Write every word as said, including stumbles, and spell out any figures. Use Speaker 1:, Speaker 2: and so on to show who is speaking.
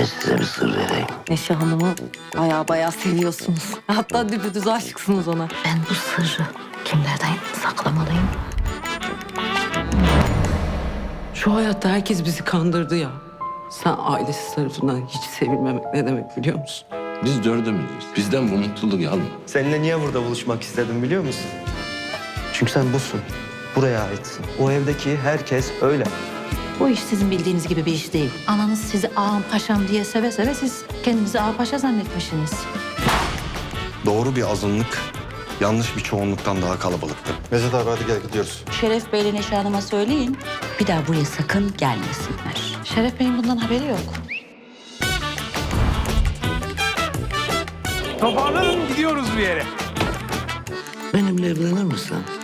Speaker 1: size bir sır vereyim.
Speaker 2: Neşe Hanım'ı baya baya seviyorsunuz. Hatta düpedüz aşıksınız ona.
Speaker 3: Ben bu sırrı kimlerden saklamalıyım?
Speaker 4: Şu hayatta herkes bizi kandırdı ya. Sen ailesi tarafından hiç sevilmemek ne demek biliyor musun?
Speaker 1: Biz dördümüzüz. Bizden bu mutluluk alma.
Speaker 5: Seninle niye burada buluşmak istedim biliyor musun? Çünkü sen busun. Buraya aitsin. O evdeki herkes öyle.
Speaker 3: Bu iş sizin bildiğiniz gibi bir iş değil. Ananız sizi ağam paşam diye seve seve siz kendinizi ağa paşa zannetmişsiniz.
Speaker 6: Doğru bir azınlık yanlış bir çoğunluktan daha kalabalıktır.
Speaker 7: Mezat abi hadi gel gidiyoruz.
Speaker 8: Şeref Bey'le Neşe Hanım'a söyleyin. Bir daha buraya sakın gelmesinler.
Speaker 3: Şeref Bey'in bundan haberi yok.
Speaker 9: Toparlanın gidiyoruz bir yere.
Speaker 1: Benimle evlenir misin?